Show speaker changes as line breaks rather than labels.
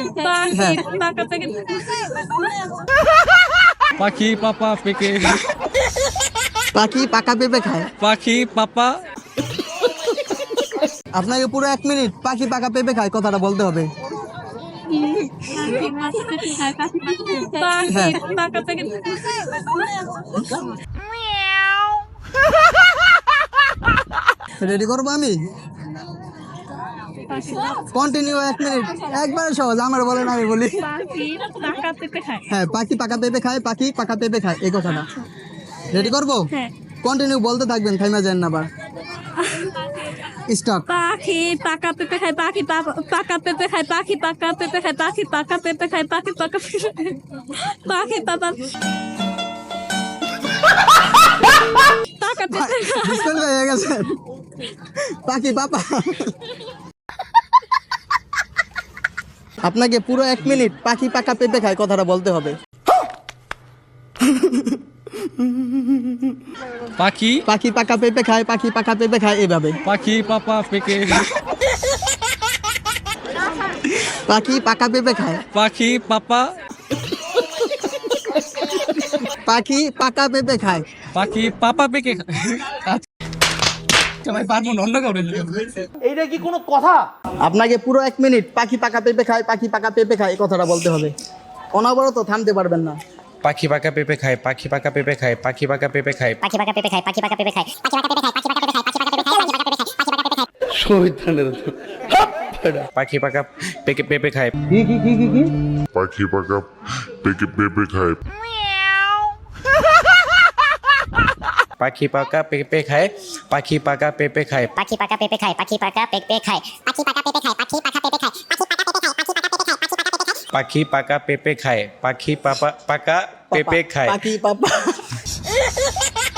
হ্যাঁ
পাখি পাপা পেকে
পাখি পাকা পেঁপে খায়।
পাখি পাপা
আপনাকে পুরো 1 মিনিট পাখি পাকা পেঁপে খায় কথাটা বলতে হবে। হ্যাঁ রেডি করবো আমি, কন্টিনিউ 1 মিনিট, একবারে সহজ, আমার বলেন আমি বলি। হ্যাঁ পাখি পাকা পেঁপে খায়, পাখি পাকা পেঁপে খায়, এই কথাটা রেডি করবো। কন্টিনিউ বলতে থাকবেন, থাইমা যান না আবার। স্টপ।
পাখি পাকা পেঁপে খায়, পাখি পাকা পেঁপে খায়, পাখি পাকা পেঁপে খায়, পাখি পাকা পেঁপে খায়, পাখি পাকা পাখি পাপা পাকা পেঁপে
ডিসকাল হয়ে গেছে। পাখি পাপা। আপনাকে পুরো 1 মিনিট পাখি পাকা পেঁপে খায় কথাটা বলতে হবে।
পাখি
পাখি পাকা পেঁপে খায়, পাখি পাকা পেঁপে খায়, এভাবে।
পাখি পাপা পেকে
পাখি পাকা পেঁপে খায়,
পাখি পাপা
পাখি পাকা পেঁপে খায়।
পাখি পাপা পেকে ভাই পারবো না, অন্য কাউরে
এইটা কি কোনো কথা?
আপনাকে পুরো 1 মিনিট পাখি পাকা পেঁপে খায়, পাখি পাকা পেঁপে খায়, এই কথাটা বলতে হবে। অনবরত থামতে পারবেন না।
পাখি পাকা পেঁপে খায়, পাখি পাকা পেঁপে খায়, পাখি পাকা পেঁপে খায়,
পাখি পাকা পেঁপে খায়, পাখি পাকা পেঁপে খায়, পাখি পাকা পেঁপে খায়, পাখি পাকা পেঁপে খায়, পাখি পাকা পেঁপে খায়, পাখি পাকা পেঁপে খায়, পাখি পাকা পেঁপে খায়।
পাখি পাকা পেঁপে খায়,
পাখি পাকা পেঁপে খায়,
পাখি পাকা পেঁপে খায়, পাখি পাকা পেঁপে খায়,
পাখি পাকা পেঁপে খায়, পাখি পাকা পেঁপে খায়, পাখি পাকা পেঁপে খায়, পাখি পাকা পেঁপে খায়, পাখি পাকা পেঁপে খায়, পাখি পাকা পেঁপে খায়,
পাখি পাকা পেঁপে খায়,
পাখি পাপা।